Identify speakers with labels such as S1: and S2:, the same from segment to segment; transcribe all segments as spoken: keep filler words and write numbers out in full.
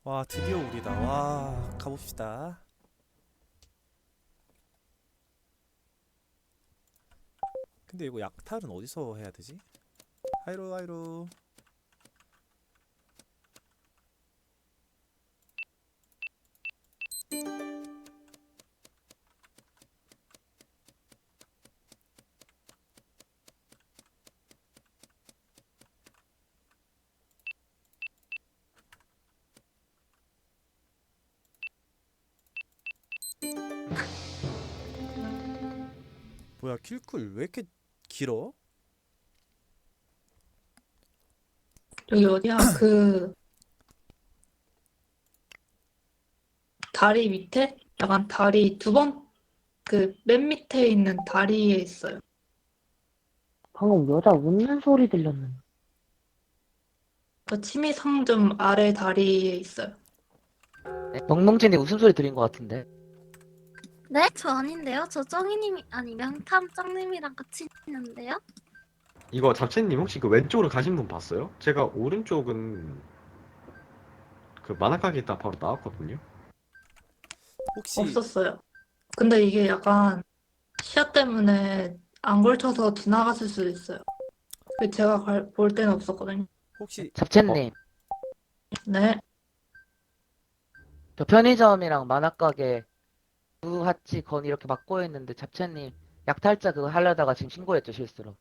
S1: 와, 드디어 우리다. 와, 가봅시다. 근데 이거 약탈은 어디서 해야 되지? 하이로 하이로. 뭐야, 킬쿨 왜 이렇게 길어?
S2: 여기 어디야? 그 다리 밑에? 약간 다리 두 번, 그 맨 밑에 있는 다리에 있어요.
S3: 방금 여자 웃는 소리 들렸는데.
S2: 그 치미 상점 아래 다리에 있어요.
S4: 네? 멍멍진이 웃음소리 들린 것 같은데.
S5: 네? 저 아닌데요? 저 쩡이님이 아니 명탐 쩡님이랑 같이 있는데요?
S6: 이거 잡채님 혹시 그 왼쪽으로 가신 분 봤어요? 제가 오른쪽은 그 만화가게 있다 바로 나왔거든요.
S1: 혹시
S2: 없었어요. 근데 이게 약간 시야 때문에 안 걸쳐서 지나갔을 수도 있어요. 그 제가 갈- 볼 때는 없었거든요.
S1: 혹시
S6: 어,
S4: 잡채님,
S2: 네.
S4: 저 편의점이랑 만화가게 두 하치 건 이렇게 막고 있는데 잡채님 약탈자 그거 하려다가 지금 신고했죠, 실수로.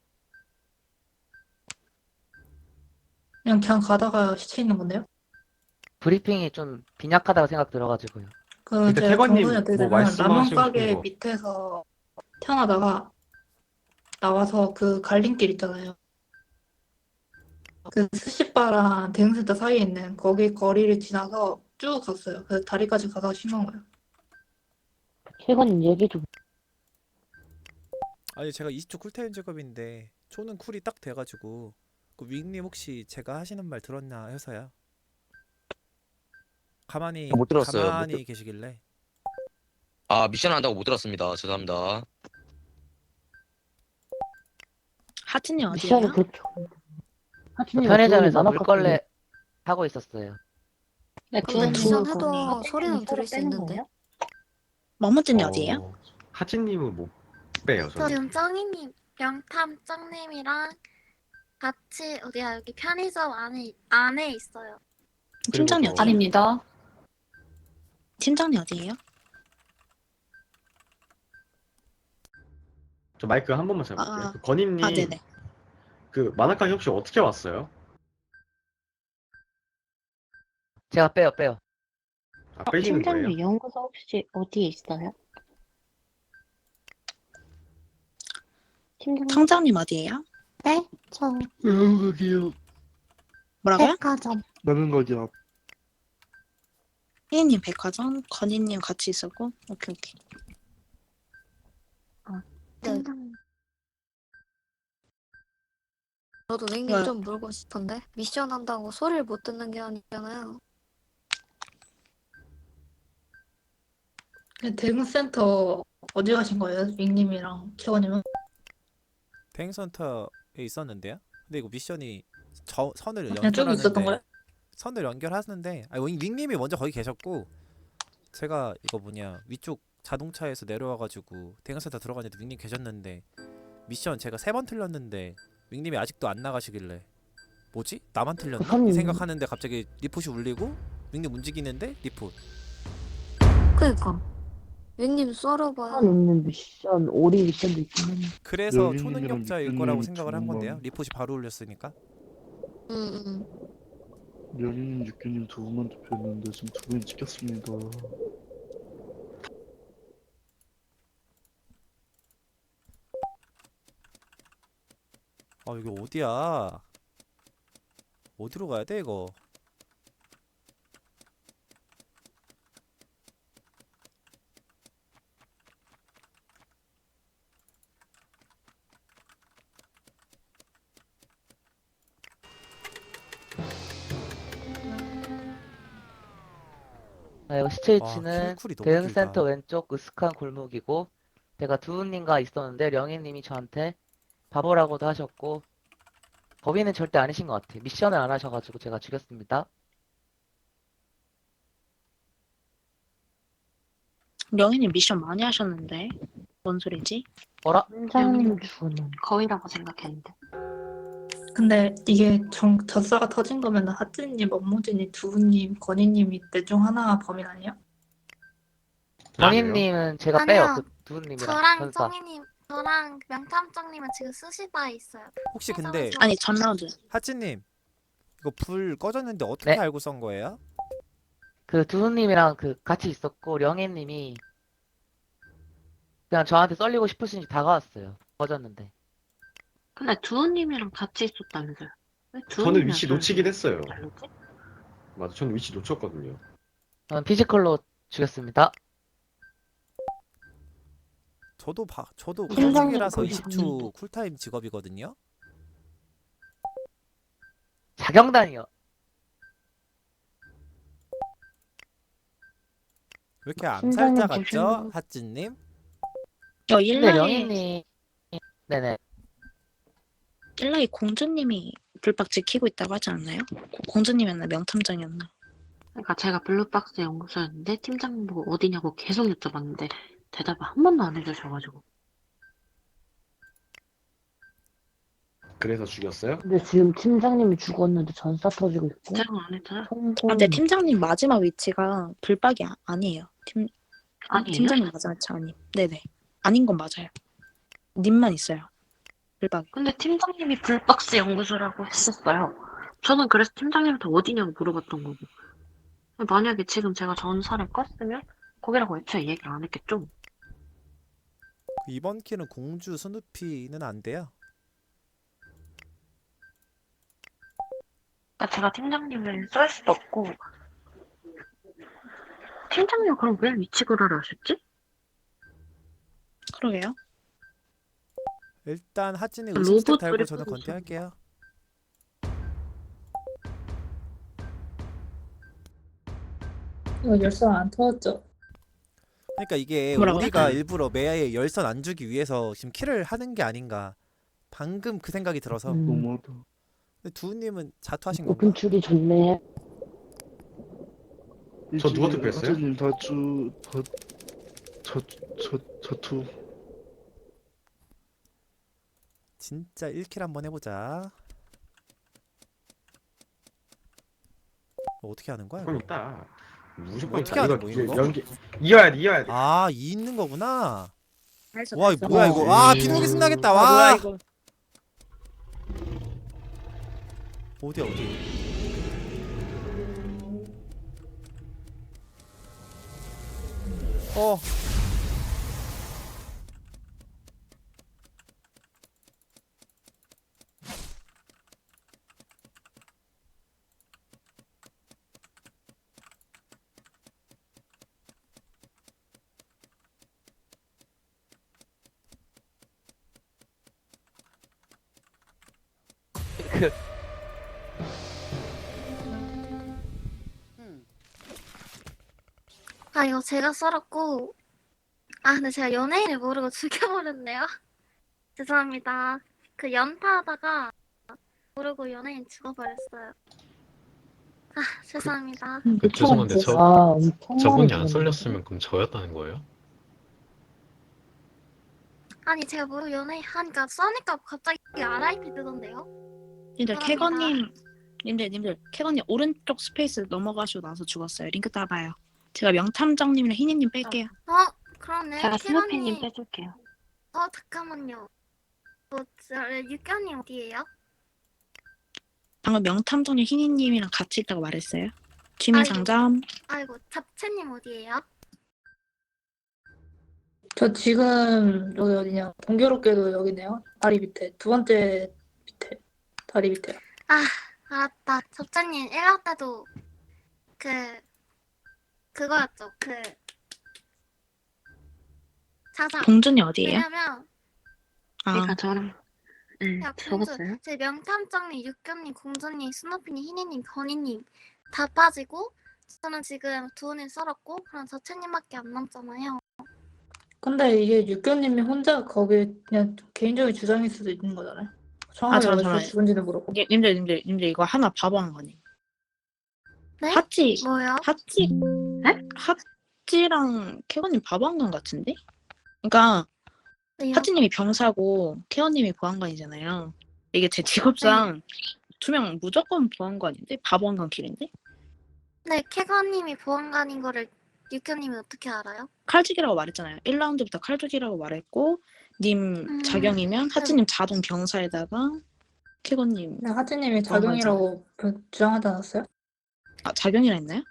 S2: 그냥 그냥 가다가 시체 있는 건데요.
S4: 브리핑이 좀 빈약하다고 생각 들어가지고요.
S2: 그
S6: 일단
S2: 제가 경고는
S6: 태관님
S2: 어떻게
S6: 뭐
S2: 되면 라면
S6: 말씀하시고 싶은
S2: 가게
S6: 거.
S2: 밑에서 태어나다가 나와서 그 갈림길 있잖아요. 그 스시바랑 대형센터 사이에 있는 거기 거리를 지나서 쭉 갔어요. 그래서 다리까지 가서 신고한 거예요.
S3: 최근 얘기 좀.
S1: 아니 제가 이십 초 쿨타임 작업인데 초는 쿨이 딱 돼가지고 그 윙님 혹시 제가 하시는 말 들었나 해서요. 가만히
S7: 못 들었어요. 못 들...
S1: 가만히 계시길래.
S7: 아, 미션 한다고 못 들었습니다. 죄송합니다.
S8: 하진이
S3: 미션이
S8: 어디예요?
S3: 그렇게.
S4: 저
S3: 하진이가 주은이
S4: 편의점에서
S3: 만화 깎길래.
S4: 물걸레 하고 있었어요.
S3: 야,
S5: 근데
S3: 주은이
S5: 미션
S3: 그거
S5: 해도
S3: 하진이랑
S5: 소리는
S3: 서로
S5: 들을 수
S3: 빼는
S5: 있는데.
S3: 거예요?
S8: 머무진이 어디예요?
S6: 어, 하진님은 못 빼요,
S5: 저
S6: 저는.
S5: 지금 쩡이님, 명탐 쩡님이랑 같이 어디야 여기 편의점 안에 안에 있어요.
S6: 그리고
S8: 팀장님
S6: 저
S8: 어디예요? 아닙니다. 팀장님 어디예요?
S6: 저 마이크 한 번만
S8: 아,
S6: 잡을게요.
S8: 아,
S6: 그
S8: 아,
S6: 건임님
S8: 네네.
S6: 그 만화가게 혹시 어떻게 왔어요?
S4: 제가 빼요, 빼요.
S6: 아,
S3: 어,
S6: 빼시는 거예요?
S3: 팀장님 연구소 혹시 어디에 있어요? 팀장님?
S8: 청장님 어디예요?
S5: 네? 저
S9: 라면 가게요.
S8: 뭐라고요?
S5: 백화점.
S9: 라면 가게 앞.
S8: 혜인님 백화점, 건희님 같이 있었고, 오케이 오케이.
S5: 네. 저도 윙님
S8: 왜?
S5: 좀 물고 싶은데 미션 한다고 소리를 못 듣는 게 아니잖아요.
S2: 근데 대형센터 어디 가신 거예요? 윙님이랑 채원님은?
S1: 대행센터에 있었는데요. 근데 이거 미션이 저 선을
S2: 그냥 쭉 있었던 거예요?
S1: 연결하는데 선을 연결하는데 아니 윙- 윙님이 먼저 거기 계셨고 제가 이거 뭐냐 위쪽 자동차에서 내려와가지고 대형센터 들어가는데 윙님 계셨는데 미션 제가 세 번 틀렸는데 윙님이 아직도 안 나가시길래 뭐지? 나만
S3: 그
S1: 틀렸나? 이
S3: 선,
S1: 생각하는데 갑자기 리포시 울리고 윙님 움직이는데 리포.
S5: 그니까 윙님
S3: 선
S5: 썰어봐요.
S3: 있는 미션, 오리 미션도 있긴 한데.
S1: 그래서
S9: 명희님이랑
S1: 초능력자일 거라고
S9: 육교님
S1: 생각을 한 건데요.
S9: 두
S1: 리포시 바로 울렸으니까.
S5: 응응.
S9: 명희님, 육교님 두 분만 투표했는데 지금 두 분이 찍혔습니다.
S1: 아 이게 어디야? 어디로 가야 돼 이거?
S4: 아, 이거 시체
S1: 와
S4: 위치는
S1: 킬쿨이 너무
S4: 대응센터
S1: 길다.
S4: 왼쪽 으슥한 골목이고, 제가 두우님과 있었는데 령희님이 저한테 바보라고도 하셨고, 범인은 절대 아니신 것 같아요. 미션을 안 하셔가지고 제가 죽였습니다.
S8: 영희님 미션 많이 하셨는데 뭔 소리지?
S4: 어라?
S3: 팀장님 죽었는데.
S8: 거의라고 생각했는데.
S2: 근데 이게 정, 젖사가 터진 거면 하찌님, 업무진이, 두우님, 건희님이 넷 중 하나가 범인 아니에요?
S6: 아니에요.
S4: 건희님은 제가
S5: 아니요.
S4: 빼요. 그 두분님이랑
S5: 저랑
S4: 전사.
S5: 쩡이님, 저랑 명탐정님은 지금 스시바에 있어요.
S1: 혹시 근데
S8: 아니 전 라운드.
S1: 하찌님 이거 불 꺼졌는데 어떻게
S4: 네.
S1: 알고 썬 거예요?
S4: 그 두분님이랑 그 같이 있었고 령혜님이 그냥 저한테 썰리고 싶으신지 다가왔어요. 꺼졌는데.
S3: 근데 두우님이랑 같이 있었다면서요? 왜
S6: 저는
S3: 두우님이랑
S6: 위치
S3: 저랑
S6: 놓치긴 했어요.
S3: 다르지?
S6: 맞아, 저는 위치 놓쳤거든요.
S4: 저는 피지컬로 죽였습니다.
S1: 저도 봐 저도
S3: 팀장님
S1: 건축이라서
S3: 거기
S1: 이십 초
S3: 봤는데.
S1: 쿨타임 직업이거든요.
S4: 자경단이요.
S1: 왜 이렇게 암살자
S3: 팀장님
S1: 같죠?
S3: 조심.
S1: 하찌님?
S8: 어
S4: 근데
S8: 일라이
S4: 령혜님 네네.
S8: 일라이 공주님이 불박 지키고 있다고 하지 않나요? 고- 공주님이었나 명탐정이었나?
S3: 그러니까 제가 블루박스 연구소였는데 팀장님 보고 어디냐고 계속 여쭤봤는데 대답을 한 번도 안 해주셔가지고.
S6: 그래서 죽였어요?
S3: 근데 지금 팀장님이 죽었는데 전사 터지고 있고.
S8: 제가 안 했잖아.
S3: 성공.
S8: 아, 근데 팀장님 마지막 위치가 불박이 아, 아니에요. 팀
S3: 아니에요?
S8: 팀장님 마지막 위치 아니. 네네. 아닌 건 맞아요. 님만 있어요. 불박이.
S3: 근데 팀장님이 블루박스 연구소라고 했었어요. 저는 그래서 팀장님한테 어디냐고 물어봤던 거고. 만약에 지금 제가 전사를 껐으면 거기라고 애초에 얘기를 안 했겠죠?
S1: 이번 키는 공주 스누피는 안 돼요.
S3: 그러니까 제가 팀장님을 쏠 수도 없고. 팀장님 그럼 왜 위치 구라를 하셨지?
S1: 아,
S8: 그러게요.
S1: 일단 하찌님
S3: 로봇
S1: 의심스택 달고
S3: 조립
S1: 저는
S3: 하고
S1: 건퇴할게요.
S2: 이거 열쇠 안 터졌죠?
S1: 그러니까 이게
S8: 뭐라고요?
S1: 우리가 일부러 매야에 열선 안 주기 위해서 지금 킬을 하는 게 아닌가. 방금 그 생각이 들어서.
S3: 음.
S9: 너무하다.
S1: 근데 두우님은 자투하신 건가?
S3: 오픈 출이 좋네.
S6: 저 누가 투표했어요?
S9: 하재님 다주 다저저 저투.
S1: 진짜 일 킬 한번 해보자. 뭐 어떻게 하는 거야?
S6: 무조건
S1: 이거?
S6: 있다. 무조건
S1: 어떻게
S6: 있다.
S1: 하는
S6: 이거
S1: 거야,
S6: 이거
S1: 이거?
S6: 연기 이어야 돼, 이어야 돼.
S1: 아, 이 있는 거구나.
S8: 알았어,
S1: 와,
S8: 알았어.
S1: 이거 뭐야 이거? 아, 비둘기 신나겠다. 와. 어디야 어디? 어.
S4: 그
S5: 아, 이거 제가 썰었고. 아, 근데 제가 연예인을 모르고 죽여버렸네요. 죄송합니다. 그 연타하다가 모르고 연예인 죽어버렸어요. 아, 죄송합니다.
S3: 음,
S10: 그 죄송한데 저
S3: 아, 엄청
S10: 저분이
S3: 많이
S10: 안
S3: 죽었네.
S10: 썰렸으면 그럼 저였다는 거예요?
S5: 아니, 제가 모르고 연예인 하니까 써니까 갑자기 알아이피 뜨던데요?
S8: 님들
S5: 죄송합니다.
S8: 캐거님, 님들 님들 캐거님 오른쪽 스페이스 넘어가시고 나서 죽었어요. 링크 따봐요. 제가 명탐정님이랑 희니님 뺄게요.
S5: 어, 그러네.
S3: 제가 스누피님
S5: 캐런님.
S3: 빼줄게요.
S5: 어, 잠깐만요. 어, 저, 육견님 어디에요?
S8: 방금 명탐정님 희니님이랑 같이 있다고 말했어요. 취미상점.
S5: 아이고, 잡채님 어디에요?
S2: 저 지금 여기 어디냐? 공교롭게도 여기네요. 다리 밑에 두 번째 밑에 다리 밑에.
S5: 아, 알았다. 잡채님 일 화 때도 그 그거였죠. 그 자자.
S8: 공준이 어디예요?
S5: 왜냐면
S8: 아,
S3: 그러니까 저랑 네,
S5: 야, 공주,
S3: 적었어요.
S5: 제 명탐정님, 육견님, 공주님, 스누피님, 희니님, 건희님 다 빠지고 저는 지금 두분을 썰었고 그럼 저채님밖에 안 남잖아요.
S2: 근데 이게 육교님이 혼자 거기 그냥 개인적인 주장일 수도 있는 거잖아요. 정확하게
S8: 아,
S2: 어디서
S8: 잠시만요.
S2: 죽은지는 모르고.
S8: 님- 님들 님들 님들 이거 하나 바보한 거니.
S5: 네?
S8: 하찌
S5: 뭐요?
S8: 하찌
S3: 네?
S8: 하 하찌랑 캐건님 바보한관 같은데? 그러니까
S5: 왜요?
S8: 하찌님이 병사고 캐건님이 보안관이잖아요. 이게 제 직업상 두 명 무조건 보안관인데 바보한관 길인데?
S5: 네, 캐가님이 보안관인 거를 육현님이 어떻게 알아요?
S8: 칼죽이라고 말했잖아요. 일 라운드부터 칼죽이라고 말했고 님
S5: 음,
S8: 자경이면 하찌님 자동 병사에다가 캐건님
S2: 근데 하진님이
S8: 보안관이잖아요.
S2: 자경이라고 그- 주장하지 않았어요?
S8: 아 자경이라 했나요?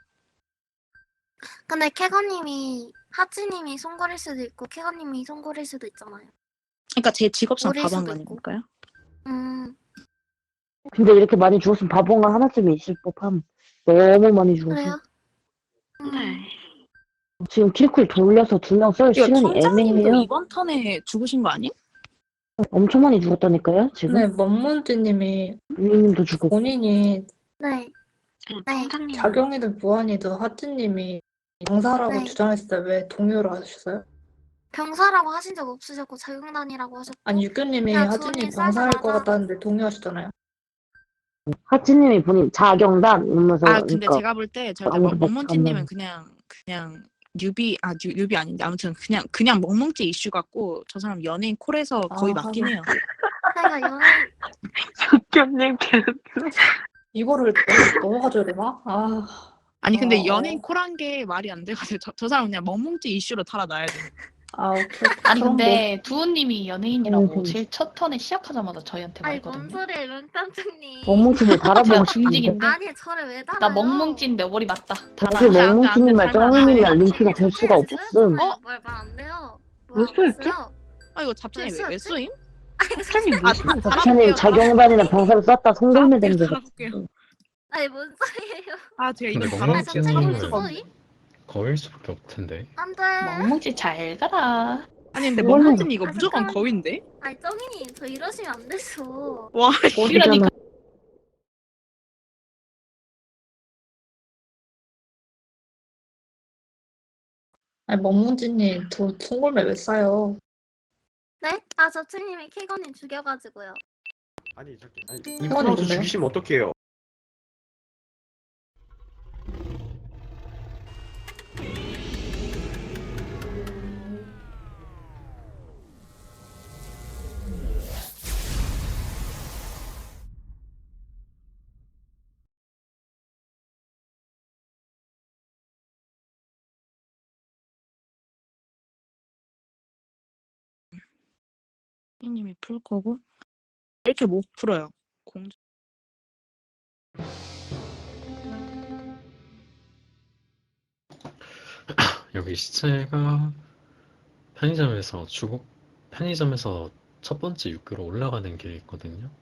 S5: 근데 캐가님이 하찌님이 송골일 수도 있고 캐가님이 송골일 수도 있잖아요.
S8: 그러니까 제 직업상
S5: 모를 수도
S8: 바보한관이니까요.
S5: 음,
S11: 근데 이렇게 많이 죽었으면 바본가 하나쯤은 있을 법함. 너무 많이 죽어서.
S5: 그래요? 음,
S3: 네.
S11: 지금 킬쿨 돌려서 두 명 쏠
S8: 이거
S11: 시간이
S8: 청장님도
S11: 애매해요.
S8: 이번 턴에 죽으신 거 아니에요?
S11: 엄청 많이 죽었다니까요, 지금.
S2: 근데 먼문지님이
S11: 유이님도 죽었고.
S2: 본인이
S5: 네.
S3: 그냥
S5: 네.
S3: 청장님
S2: 자경이든 무한이든 하진님이 병사라고
S5: 네.
S2: 주장했을 때 왜 동요를 하셨어요?
S5: 병사라고 하신 적 없으셨고 자경단이라고 하셨고
S2: 아니 육교님이
S5: 그냥
S2: 하진이
S5: 주원님
S2: 병사일 것
S5: 쌀자마자
S2: 같다는데 동요하시잖아요.
S11: 하치님이 본인 자경단 이러면서
S8: 아 근데
S11: 그러니까
S8: 제가 볼 때 제가
S11: 아무도 못
S8: 멍멍찌님은
S11: 참는.
S8: 그냥 그냥 뉴비 아 뉴, 뉴비 아닌데 아무튼 그냥 그냥 멍멍찌 이슈 같고 저 사람 연예인 콜에서 거의
S2: 아,
S8: 맞긴 해요.
S5: 내가 연애
S3: 육견님 개웃겨.
S2: 이거를 넘어가줘야 되나? 아,
S8: 아니 근데
S2: 어,
S8: 연예인
S2: 어.
S8: 콜한 게 말이 안 돼가지고 저, 저 사람 그냥 멍멍찌 이슈로 달아놔야 돼.
S2: 아, 오케이.
S12: 아니
S2: 그럼
S12: 근데 두우님이 연예인이라고
S11: 음.
S12: 제일 첫 턴에 시작하자마자 저희한테
S5: 아니 뭔
S12: 말했거든요.
S5: 소리예요 멘탄장님.
S11: 멍뭉치를
S12: 제가
S11: 달아보고 싶은데.
S12: 중직인데
S5: 아니 저를 왜 달아요?
S12: 나 멍뭉찐 내 머리 맞다.
S11: 사실
S8: 안 돼, 안 돼,
S11: 멍뭉치님이랑
S8: 안 돼, 안 돼.
S11: 쩡님이랑 링크가 될 수가 없음.
S5: 어? 뭘말안 돼요?
S3: 왜 쏘였지?
S8: 아 이거 잡채님 왜, 왜
S5: 쏘였지?
S8: 쏘임?
S3: 청장님
S8: 아,
S3: 무슨
S8: 다-
S11: 박찬님 자경단이나 병사를 쐈다 송골매 된 거 같아.
S8: 달아볼게요.
S5: 아니 뭔 소리예요?
S8: 아 제가
S10: 근데
S8: 이거
S5: 아니
S8: 달아
S5: 잡채가
S10: 멍멍찌님은
S5: 무슨 소리?
S10: 거일 수밖에 없을 텐데.
S5: 안돼.
S12: 멍뭉찌 잘 가라.
S8: 아니 근데
S11: 이거는-
S8: 멍멍찌님 이거
S5: 아,
S8: 무조건
S5: 잠깐만요.
S8: 거인데?
S5: 아니 쩡이님 저 이러시면 안 되죠.
S8: 와
S11: 어디잖아.
S2: 아니 멍문지님 저 송골매 왜 싸요?
S5: 네? 아 저층님이 캐거님 죽여가지고요.
S6: 아니 저기 아니
S2: 이거는
S6: 인플루언서
S2: 뭔데요?
S6: 죽이시면 어떡해요?
S8: 님이 풀 거고 이렇게 못 풀어요. 공
S10: 여기 시체가 편의점에서 주고 편의점에서 첫 번째 육교로 올라가는 길이 있거든요.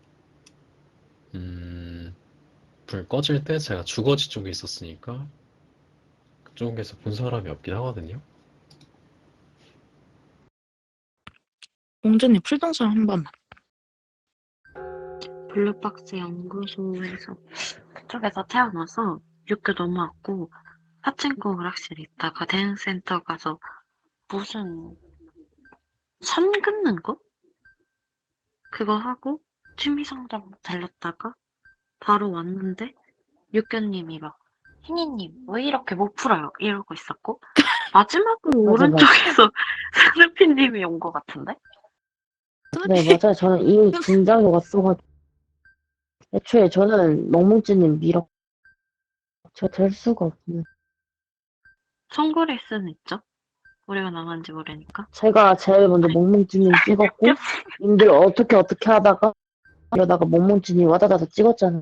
S10: 음, 불 꺼질 때 제가 주거지 쪽에 있었으니까 그쪽에서 본 사람이 없긴 하거든요.
S8: 공주님 풀동선 한 번만.
S3: 블루박스 연구소에서 그쪽에서 태어나서 육교 넘어왔고 하층고 오락실 있다가 대행센터 가서 무슨 선 긋는 거? 그거 하고 취미상점 달렸다가 바로 왔는데 육교님이 막 희니님 왜 이렇게 못 풀어요? 이러고 있었고 마지막으로
S11: 맞아,
S3: 오른쪽에서 스누피님이 온 것 같은데?
S11: 네, 맞아요. 저는 이미 긴장이 왔어가지고. 애초에 저는 멍뭉찌님 밀어. 제가 될 수가 없네.
S3: 송골일 수는 있죠? 우리가 나간지 모르니까.
S11: 제가 제일 먼저 멍뭉찌님 찍었고, 님들 어떻게 어떻게 하다가, 이러다가 멍뭉찌님 와다다다 찍었잖아요.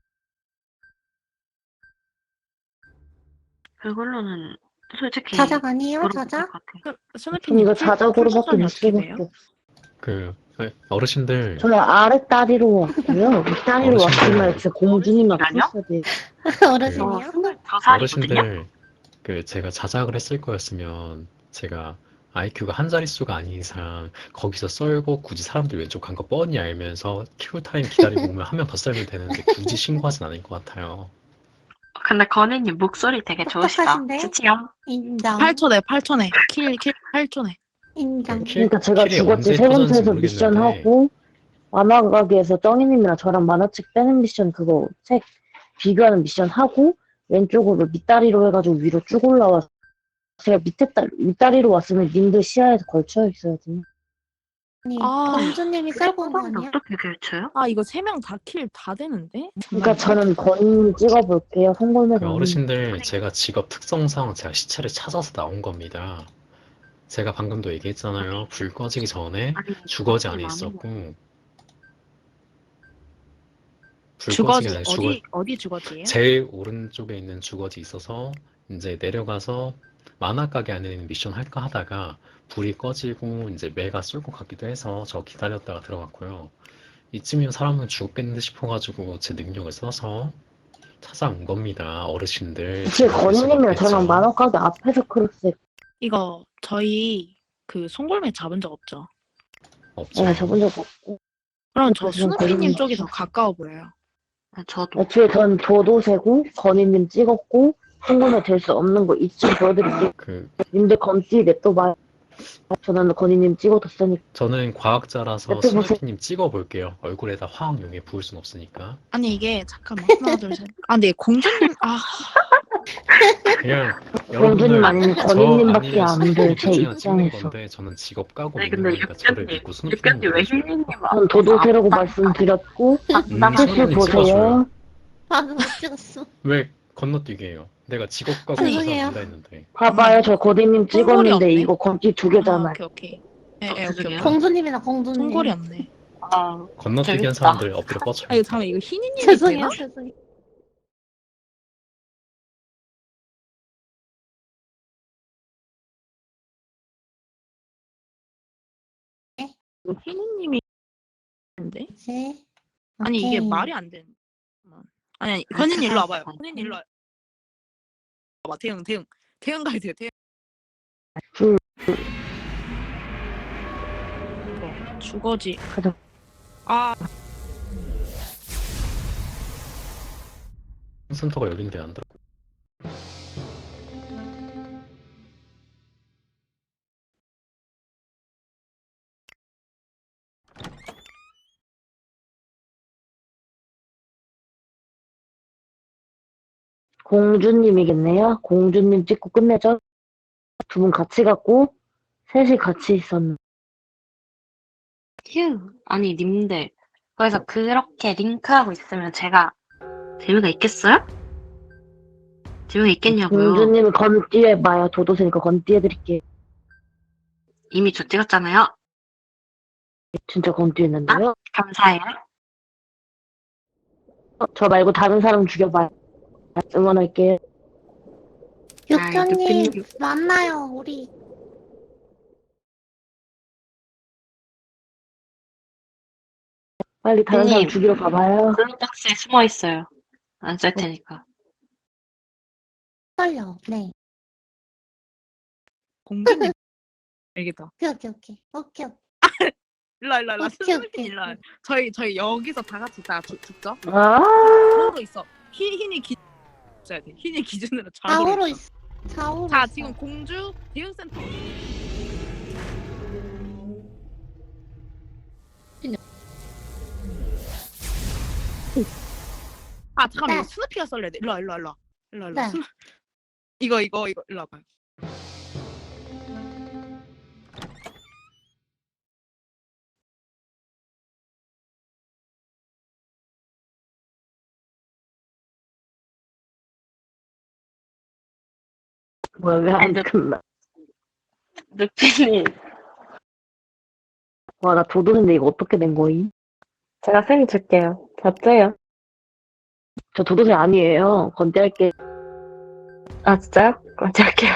S3: 그걸로는 솔직히
S5: 자작 아니에요?
S3: 물어볼
S5: 자작?
S3: 것 같아요.
S11: 전
S8: 스누피님
S11: 이거 자작으로밖에
S8: 풀동선이
S11: 못
S8: 어떻게 돼요?
S11: 찍었어.
S10: 그 어르신들
S11: 저는 아랫다리로 왔고요. 윗다리로
S10: 어르신들.
S11: 왔지만 제 공주님만
S3: 아니요?
S11: 풀어야 돼.
S5: 어르신이요?
S3: 저 살이거든요.
S10: 어르신들 그 제가 자작을 했을 거였으면 제가 아이큐가 한 자릿수가 아닌 이상 거기서 썰고 굳이 사람들 왼쪽 간 거 뻔히 알면서 킬타임 기다리고 오면 한 명 더 썰면 되는데 굳이 신고하진 않을 것 같아요.
S3: 근데 건희님 목소리 되게 좋으시다.
S5: 똑똑하신데?
S3: 지치요?
S5: 인정.
S8: 팔 초 내, 팔 초 내. 킬, 킬, 팔 초 내.
S5: 인정.
S10: 킬-
S11: 그러니까 제가
S10: 킬이
S11: 죽었지.
S10: 언제
S11: 세
S10: 터졌는지
S11: 번째에서 미션
S10: 모르겠는데
S11: 하고, 만화가게에서 쩡이님이랑 저랑 만화책 빼는 미션 그거 책 비교하는 미션 하고, 왼쪽으로 밑다리로 해가지고 위로 쭉 올라와서 제가 밑에 딸, 윗다리로 왔으면 님들 시야에 걸쳐 있어야지.
S13: 아니,
S8: 아,
S13: 범주님이 끌고 온 거
S3: 사람인데
S13: 아니야?
S3: 어떻게 결쳐요?
S8: 아 이거 세 명 다 킬 다 되는데?
S11: 그러니까
S8: 잠깐만요.
S11: 저는 건님 찍어볼게요. 송골매
S10: 그
S11: 건님.
S10: 어르신들 제가 직업 특성상 제가 시체를 찾아서 나온 겁니다. 제가 방금도 얘기했잖아요. 불 꺼지기 전에
S3: 아니
S10: 주거지
S3: 그렇게
S10: 안에
S3: 많은
S10: 있었고 불 꺼지기
S8: 주거지
S10: 전에 주거
S8: 어디 어디 주거지예요?
S10: 제일 오른쪽에 있는 주거지 있어서 이제 내려가서 만화 가게 안에 있는 미션 할까 하다가 불이 꺼지고 이제 매가 쏠 것 같기도 해서 저 기다렸다가 들어갔고요. 이쯤이면 사람은 죽었겠는데 싶어가지고 제 능력을 써서 찾아온 겁니다. 어르신들
S11: 혹시
S10: 제가 볼 수가
S11: 건님이랑 저랑
S10: 없겠죠.
S11: 만화가게 앞에서 크로스
S8: 이거 저희 그 송골매 잡은 적 없죠?
S10: 없죠.
S11: 네, 저본 적 없고.
S8: 그럼 저
S11: 그래서
S8: 스누피님
S11: 건님
S8: 쪽이 더 가까워 보여요.
S3: 아, 저도
S11: 애초에 전 도도새고 건희님 찍었고 송골매 될 수 없는 거 이쯤 보여드릴게요.
S10: 그
S11: 님들 건띠 냅둬봐요. 저는 건희님 찍어뒀으니까.
S10: 저는 과학자라서
S11: 옆에 보세요.
S10: 스누피님 찍어볼게요. 얼굴에다 화학용에 부을 순 없으니까.
S8: 아니 이게 잠깐만 하나 둘 셋. 아 근데 공주님 아
S10: 그냥
S11: 공주님
S10: 여러분들
S11: 아니면
S10: 저
S11: 건희님밖에
S10: 아니면
S11: 안 돼.
S10: 스누피님
S11: 제
S10: 둘 중에 하나 찍는
S11: 입장에서.
S10: 건데 저는 직업 까고
S3: 아니
S10: 믿는
S3: 근데
S10: 거니까 저를
S3: 육견님
S10: 믿고 스누피님
S3: 육견님 왜
S10: 보여줘요.
S3: 힐링님
S11: 전 도도새라고 말씀드렸고
S10: 음,
S11: 사실
S10: 소연님
S11: 보세요.
S10: 찍어줘요.
S13: 나도 못 찍었어.
S10: 왜 건너뛰게 해요? 내가 직업 까고
S8: 아니,
S10: 조사
S13: 죄송해요.
S10: 된다 했는데.
S11: 봐봐요. 저 고디님 찍었는데
S8: 없네?
S11: 이거 건띠 두
S8: 아,
S11: 개잖아요.
S8: 오케이 오케이. 예,
S3: 어,
S8: 예, 오케이
S3: 죄송해요.
S8: 오케이.
S13: 공주님이다, 공주님.
S8: 송골이 없네.
S3: 아
S10: 건너뛰기 한
S3: 재밌다.
S10: 사람들 엎드려 뻗쳐요.
S8: 아 이거 잠깐 이거 희니님이
S13: 죄송해요,
S8: 되나?
S13: 죄송해요.
S8: 이거 희니님이 되는데?
S13: 네.
S8: 아니 이게
S13: 오케이.
S8: 말이 안 되는. 아니 아니
S3: 아,
S8: 건인 일로 와봐요.
S3: 잠깐만.
S8: 건인 일로 와. 봐봐 대응 대응 대응 가야 돼요 대응.
S11: 줄.
S8: 어, 주거지.
S11: 가자.
S8: 아
S10: 센터가 여긴데 안 들어.
S11: 공주님이겠네요. 공주님 찍고 끝내죠. 두 분 같이 갔고 셋이 같이 있었는데
S3: 휴 아니 님들 그래서 그렇게 링크하고 있으면 제가 재미가 있겠어요? 재미가 있겠냐고요.
S11: 공주님 건띠에 봐요. 도도새니까 건띠 해드릴게요.
S3: 이미 저 찍었잖아요.
S11: 진짜 건띠 했는데요.
S3: 감사해요.
S11: 어, 저 말고 다른 사람 죽여봐요. 응원할게요.
S13: 육견님,
S3: 육견님.
S13: 만나요, 우리.
S11: 빨리 다른 사람
S3: 형님.
S11: 죽이러 가봐요.
S3: 블루박스에 숨어 있어요. 안 쏠 테니까.
S13: 떨려, 네.
S8: 공주님 알겠다.
S13: 오케이, 오케이, 오케이. 오케이, 오케이.
S8: 일로 일로 일로
S13: 오케이,
S8: 스누피
S13: 오케이.
S8: 일로 와. 저희 저희 여기서 다 같이 다 죽- 죽죠?
S11: 아,
S8: 좌우로 있어. 희 흰이 기 있어야 돼. 흰이 기준으로 좌우로.
S13: 좌우로
S8: 있어.
S13: 있어. 좌우로
S8: 자
S13: 있어.
S8: 지금 공주 대응센터. 아 잠깐만
S13: 네.
S8: 이거 스누피가 썰려야 돼. 일로 와 일로 와 일로 와 일로 와 일로 와.
S13: 네.
S8: 스누... 이거 이거 이거 일로 와봐요.
S11: 뭐야 왜 안
S3: 근데-
S11: 끝나?
S3: 루피님
S11: 와 나 도도새인데 이거 어떻게 된 거임?
S3: 제가 생 줄게요. 잡죠요.
S11: 저 도도새 아니에요. 건띠 할게.
S3: 아 진짜요? 그럼 제가 할게요.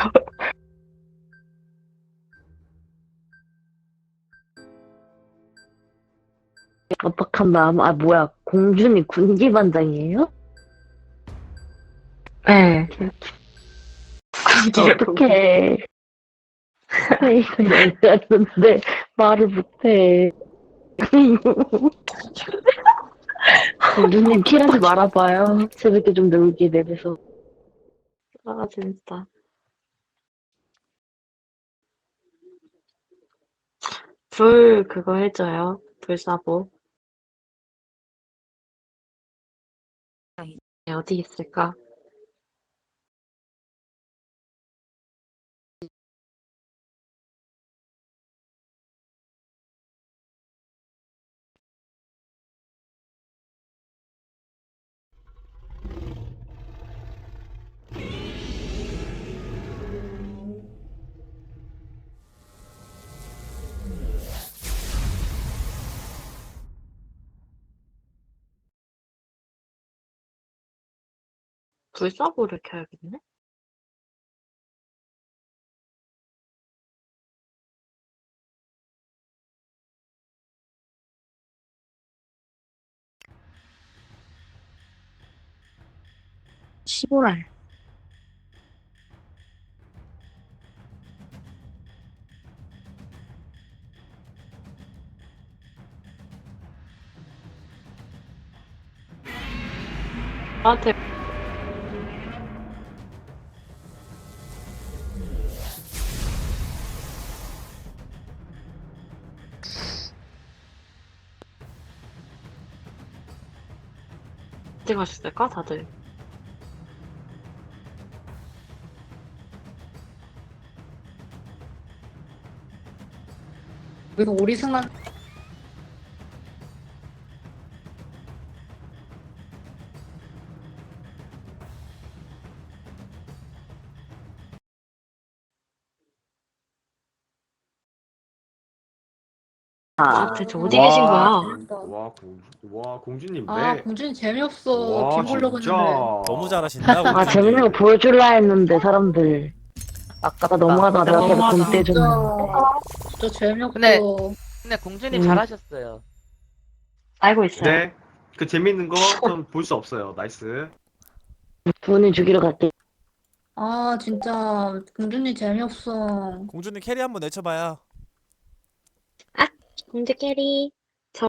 S11: 어떡한 마음. 아 뭐야 공주님 군기반장이에요?
S3: 네.
S11: 어떡해. 이거 열렸는데 말을 못해. 공주님 킬하지 말아봐요. 재밌게 좀 놀게 내면서.
S3: 아 진짜. 불 그거 해줘요. 불사보. 네, 어디 있을까? 불사보를 켜야겠네?
S8: 시보랄.
S3: 나한테 어디 가셨을까 다들?
S2: 여기서 오리승만
S3: 아, 대체 어디 계신 거야?
S6: 와, 공, 와, 공주님,
S2: 아
S6: 네.
S2: 공준이 재미없어.
S6: 와,
S2: 빔 보려고
S6: 진짜.
S2: 했는데.
S1: 너무 잘하신다.
S11: 아,
S1: 공주님.
S11: 재밌는 거 보여줄라 했는데, 사람들.
S4: 아깝다.
S11: 아, 너무하다. 내가 계속
S3: 너무하다.
S11: 돈 떼줬네.
S2: 진짜 진짜 재미없어.
S4: 근데- 근데 공주님
S11: 음.
S4: 잘하셨어요.
S3: 알고 있어요.
S6: 네. 그 재밌는 거 좀 볼 수 없어요. 나이스.
S11: 두 분이 죽이러 갈게.
S2: 아 진짜 공준이 재미없어.
S1: 공주님 캐리 한번 내쳐봐요.
S3: 공주 캐리.